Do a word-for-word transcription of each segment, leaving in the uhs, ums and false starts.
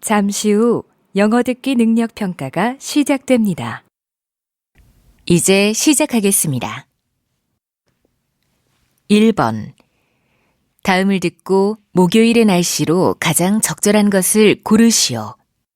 잠시 후 영어 듣기 능력 평가가 시작됩니다. 이제 시작하겠습니다. 일 번. 다음을 듣고 목요일의 날씨로 가장 적절한 것을 고르시오.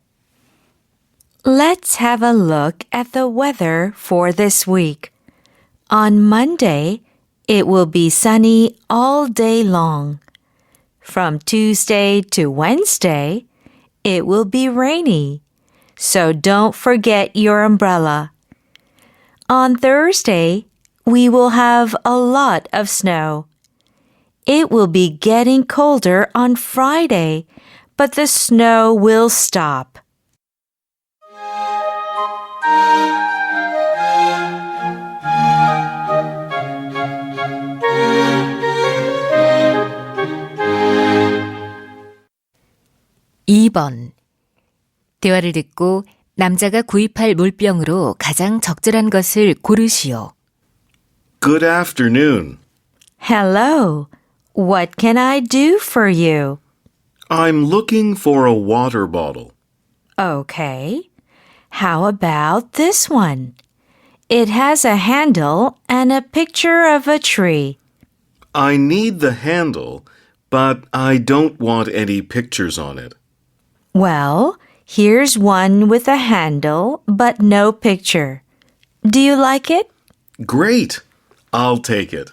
Let's have a look at the weather for this week. On Monday, it will be sunny all day long. From Tuesday to Wednesday, it will be rainy, so don't forget your umbrella. On Thursday, we will have a lot of snow. It will be getting colder on Friday, but the snow will stop. 이 번. 대화를 듣고 남자가 구입할 물병으로 가장 적절한 것을 고르시오. Good afternoon. Hello. What can I do for you? I'm looking for a water bottle. Okay. How about this one? It has a handle and a picture of a tree. I need the handle, but I don't want any pictures on it. Well, here's one with a handle but no picture. Do you like it? Great. I'll take it.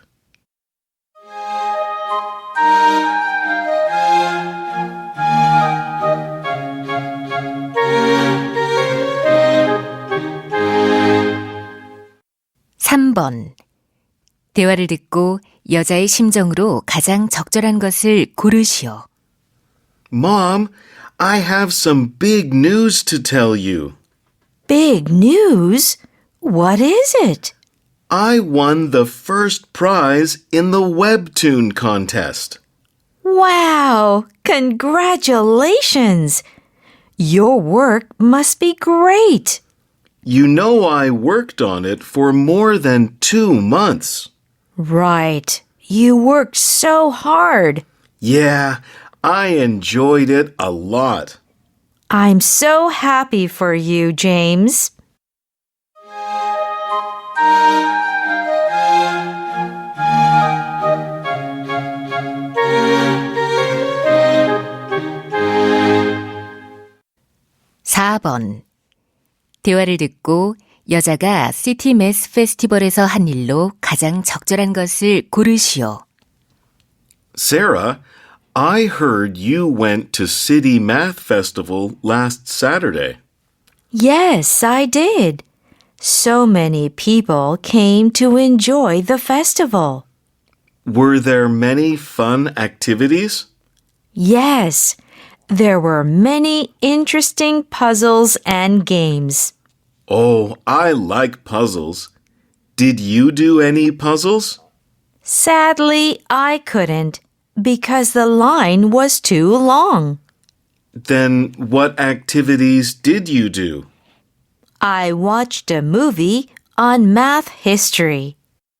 삼 번. 대화를 듣고 여자의 심정으로 가장 적절한 것을 고르시오. Mom, I have some big news to tell you. Big news? What is it? I won the first prize in the webtoon contest. Wow! Congratulations! Your work must be great. You know I worked on it for more than two months. Right. You worked so hard. Yeah, I enjoyed it a lot. I'm so happy for you, James. 사 번. 대화를 듣고 여자가 시티 매스 페스티벌에서 한 일로 가장 적절한 것을 고르시오. Sarah, I heard you went to City Math Festival last Saturday. Yes, I did. So many people came to enjoy the festival. Were there many fun activities? Yes, there were many interesting puzzles and games. Oh, I like puzzles. Did you do any puzzles? Sadly, I couldn't because the line was too long. Then what activities did you do? I watched a movie on math history.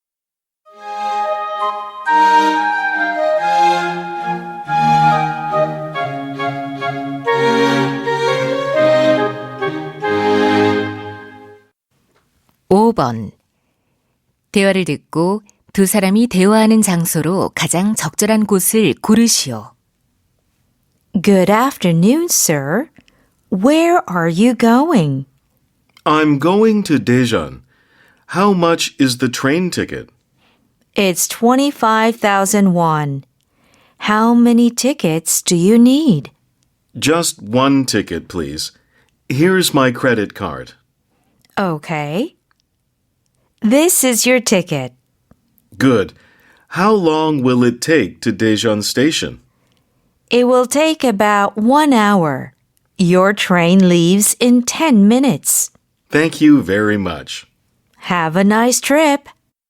오 번. 대화를 듣고 두 사람이 대화하는 장소로 가장 적절한 곳을 고르시오. Good afternoon, sir. Where are you going? I'm going to Daejeon. How much is the train ticket? It's twenty-five thousand won. How many tickets do you need? Just one ticket, please. Here's my credit card. Okay. This is your ticket. Good. How long will it take to Daejeon Station? It will take about one hour. Your train leaves in ten minutes. Thank you very much. Have a nice trip.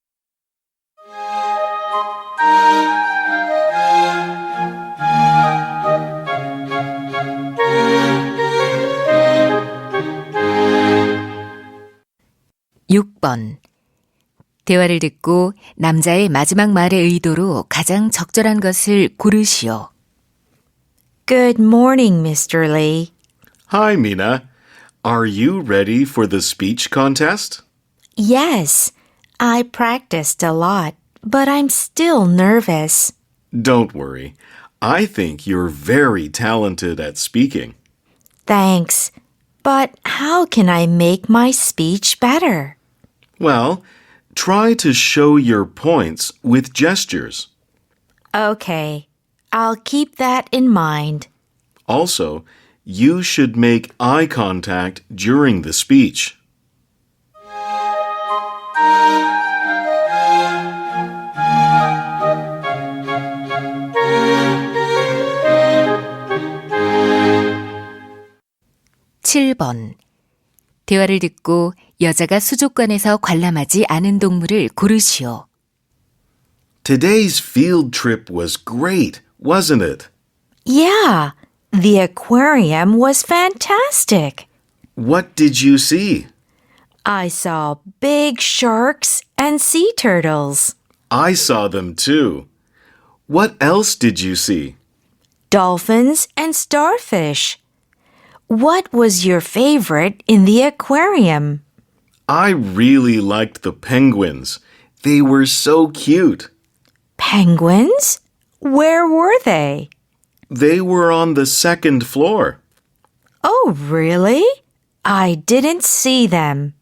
육 번. 대화를 듣고 남자의 마지막 말의 의도로 가장 적절한 것을 고르시오. Good morning, Mister Lee. Hi, Mina. Are you ready for the speech contest? Yes, I practiced a lot, but I'm still nervous. Don't worry. I think you're very talented at speaking. Thanks. But how can I make my speech better? Well, try to show your points with gestures. Okay, I'll keep that in mind. Also, you should make eye contact during the speech. 칠 번. 대화를 듣고 여자가 수족관에서 관람하지 않은 동물을 고르시오. Today's field trip was great, wasn't it? Yeah, the aquarium was fantastic. What did you see? I saw big sharks and sea turtles, I saw them too. What else did you see? dolphins and starfish. What was your favorite in the aquarium? I really liked the penguins. They were so cute. Penguins? Where were they? They were on the second floor. Oh, really? I didn't see them.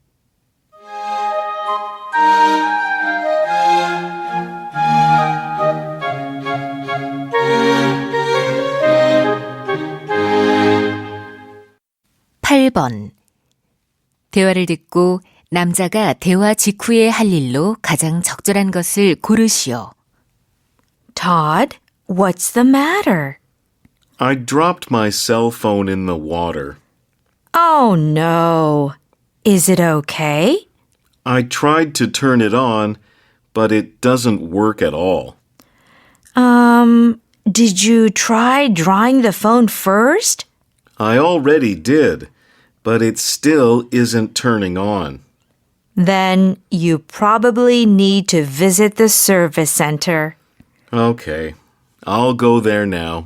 팔 번. 대화를 듣고 남자가 대화 직후에 할 일로 가장 적절한 것을 고르시오. Todd, what's the matter? I dropped my cell phone in the water. Oh, no. Is it okay? I tried to turn it on, but it doesn't work at all. Um, did you try drying the phone first? I already did, but it still isn't turning on. Then you probably need to visit the service center. Okay, I'll go there now.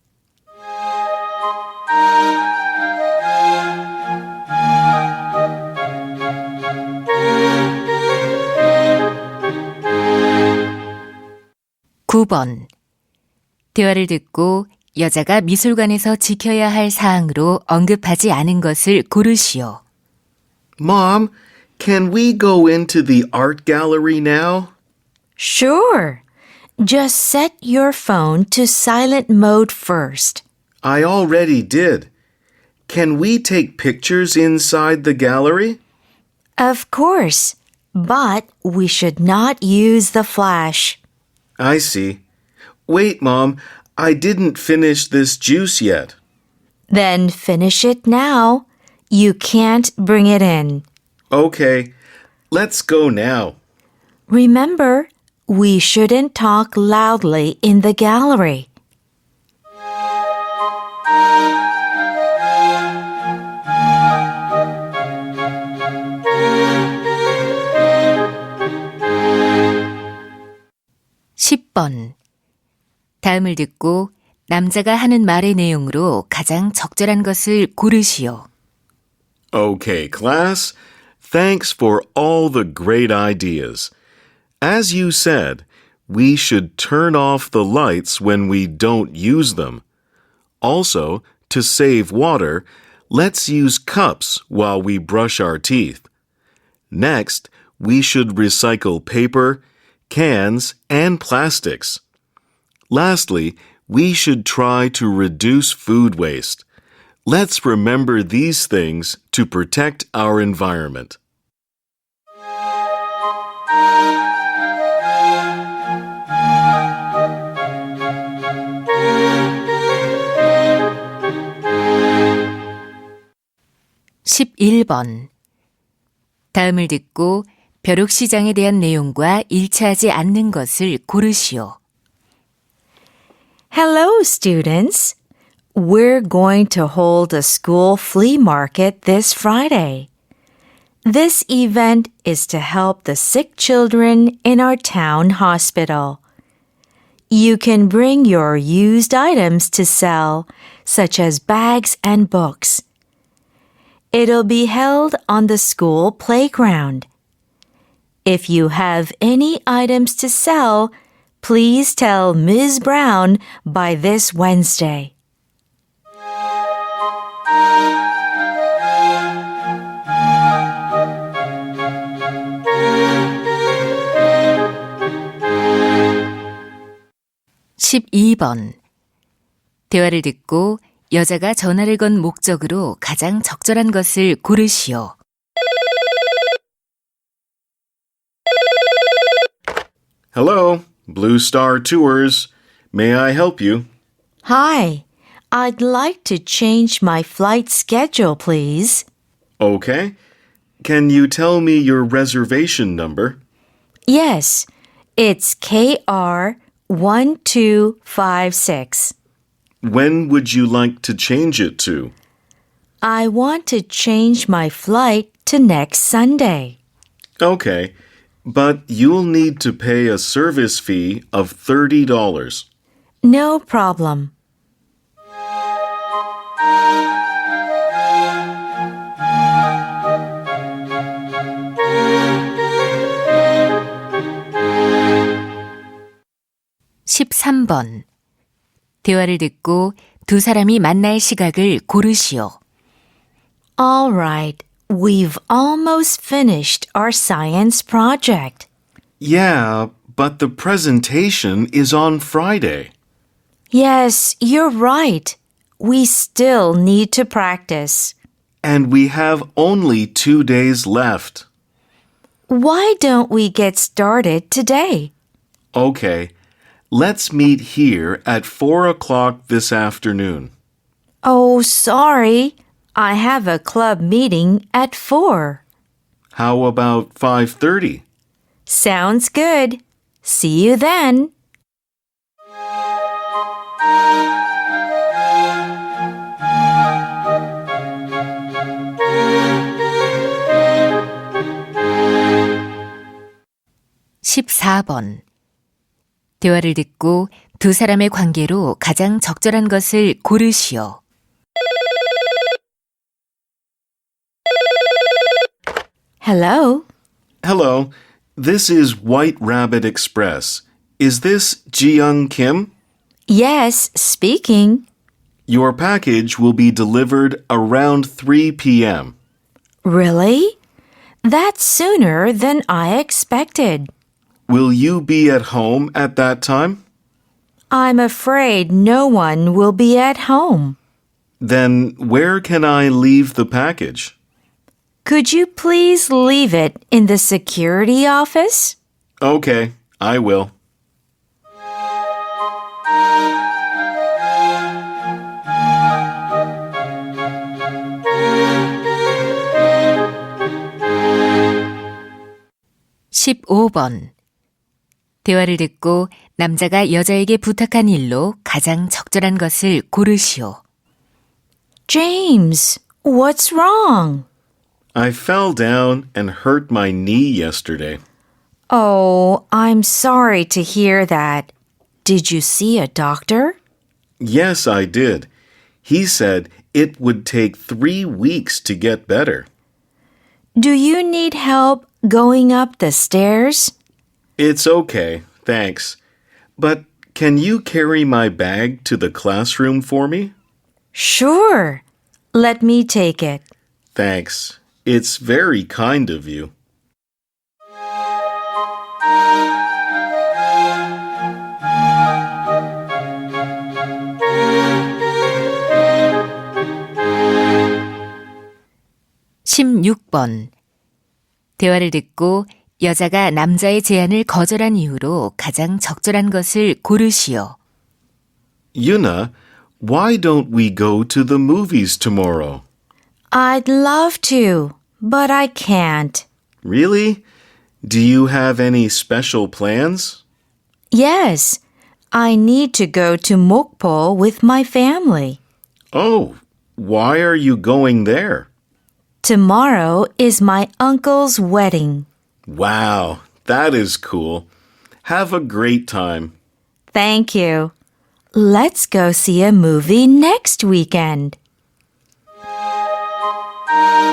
구 번. 대화를 듣고 여자가 미술관에서 지켜야 할 사항으로 언급하지 않은 것을 고르시오. Mom, can we go into the art gallery now? Sure. Just set your phone to silent mode first. I already did. Can we take pictures inside the gallery? Of course, but we should not use the flash. I see. Wait, Mom, I didn't finish this juice yet. Then finish it now. You can't bring it in. Okay, let's go now. Remember, we shouldn't talk loudly in the gallery. 십 번. 다음을 듣고 남자가 하는 말의 내용으로 가장 적절한 것을 고르시오. Okay, class. Thanks for all the great ideas. As you said, we should turn off the lights when we don't use them. Also, to save water, let's use cups while we brush our teeth. Next, we should recycle paper, cans, and plastics. Lastly, we should try to reduce food waste. Let's remember these things to protect our environment. 십일 번. 다음을 듣고 벼룩시장에 대한 내용과 일치하지 않는 것을 고르시오. Hello, students. We're going to hold a school flea market this Friday. This event is to help the sick children in our town hospital. You can bring your used items to sell, such as bags and books. It'll be held on the school playground. If you have any items to sell, please tell Miz Brown by this Wednesday. 십이 번. 대화를 듣고 여자가 전화를 건 목적으로 가장 적절한 것을 고르시오. Hello, Blue Star Tours. May I help you? Hi, I'd like to change my flight schedule, please. Okay. Can you tell me your reservation number? Yes, it's K R one two five six. When would you like to change it to? I want to change my flight to next Sunday. Okay, but you'll need to pay a service fee of thirty dollars. No problem. 십삼 번. 대화를 듣고 두 사람이 만날 시각을 고르시오. All right, we've almost finished our science project. Yeah, but the presentation is on Friday. Yes, you're right. We still need to practice. And we have only two days left. Why don't we get started today? Okay, let's meet here at four o'clock this afternoon. Oh, sorry. I have a club meeting at four. How about five thirty? Sounds good. See you then. 십사 번. 대화를 듣고 두 사람의 관계로 가장 적절한 것을 고르시오. Hello. Hello, this is White Rabbit Express. Is this Ji-young Kim? Yes, speaking. Your package will be delivered around three p.m. Really? That's sooner than I expected. Will you be at home at that time? I'm afraid no one will be at home. Then where can I leave the package? Could you please leave it in the security office? Okay, I will. 십오 번. 대화를 듣고 남자가 여자에게 부탁한 일로 가장 적절한 것을 고르시오. James, what's wrong? I fell down and hurt my knee yesterday. Oh, I'm sorry to hear that. Did you see a doctor? Yes, I did. He said it would take three weeks to get better. Do you need help going up the stairs? It's okay, thanks. But can you carry my bag to the classroom for me? Sure. Let me take it. Thanks. It's very kind of you. 십육 번. 대화를 듣고 여자가 남자의 제안을 거절한 이유로 가장 적절한 것을 고르시오. Yuna, why don't we go to the movies tomorrow? I'd love to, but I can't. Really? Do you have any special plans? Yes, I need to go to Mokpo with my family. Oh, why are you going there? Tomorrow is my uncle's wedding. Wow, that is cool. Have a great time. Thank you. Let's go see a movie next weekend.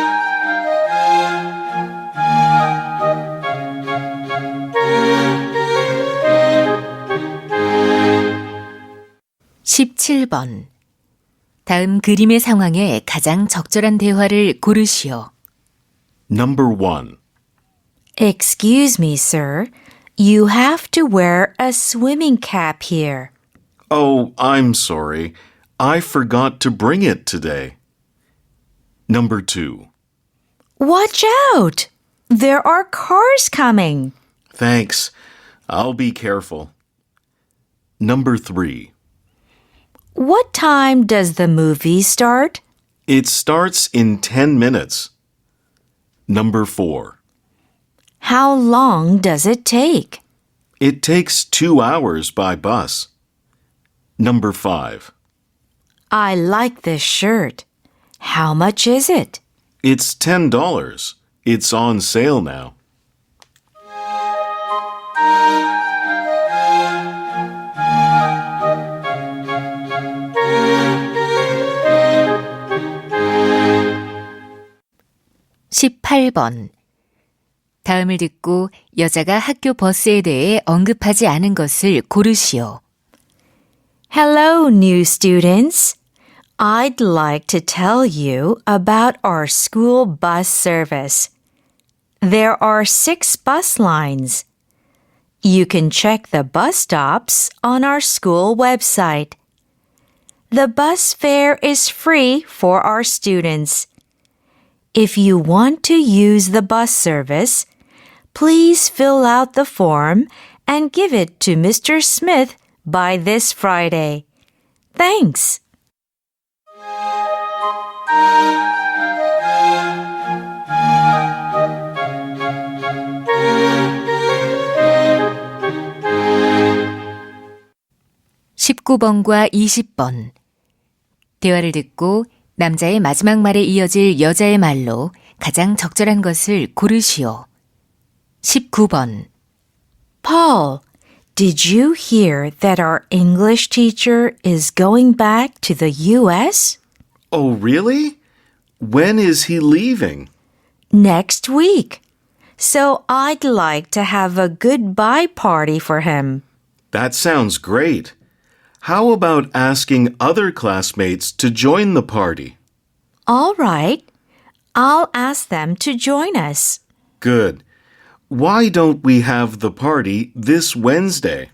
십칠 번. 다음 그림의 상황에 가장 적절한 대화를 고르시오. Number one. Excuse me, sir. You have to wear a swimming cap here. Oh, I'm sorry. I forgot to bring it today. Number two. Watch out! There are cars coming. Thanks. I'll be careful. Number three. What time does the movie start? It starts in ten minutes. Number four. How long does it take? It takes two hours by bus. Number five. I like this shirt. How much is it? It's ten dollars. It's on sale now. 십팔 번. 다음을 듣고 여자가 학교 버스에 대해 언급하지 않은 것을 고르시오. Hello, new students. I'd like to tell you about our school bus service. There are six bus lines. You can check the bus stops on our school website. The bus fare is free for our students. If you want to use the bus service, please fill out the form and give it to Mister Smith by this Friday. Thanks. 십구 번과 이십 번. 대화를 듣고 남자의 마지막 말에 이어질 여자의 말로 가장 적절한 것을 고르시오. 십구 번. Paul, did you hear that our English teacher is going back to the U S? Oh, really? When is he leaving? Next week. So I'd like to have a goodbye party for him. That sounds great. How about asking other classmates to join the party? All right. I'll ask them to join us. Good. Why don't we have the party this Wednesday?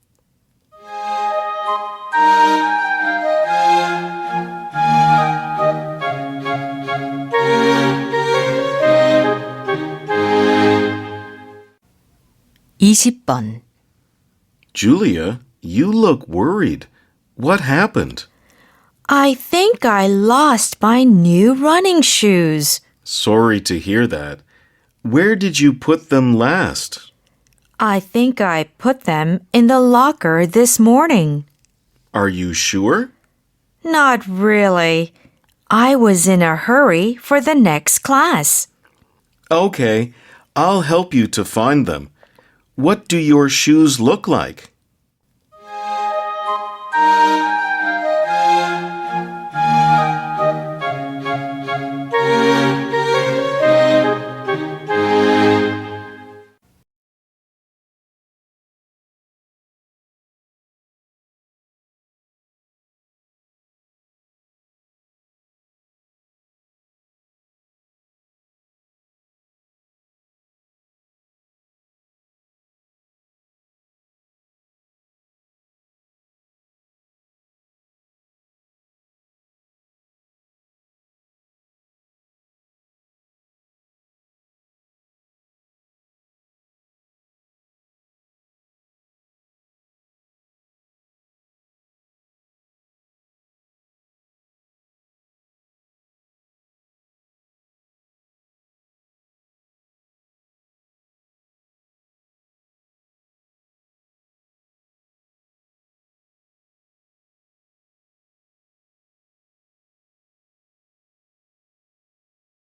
이십 번. Julia, you look worried. What happened? I think I lost my new running shoes. Sorry to hear that. Where did you put them last? I think I put them in the locker this morning. Are you sure? Not really. I was in a hurry for the next class. Okay, I'll help you to find them. What do your shoes look like?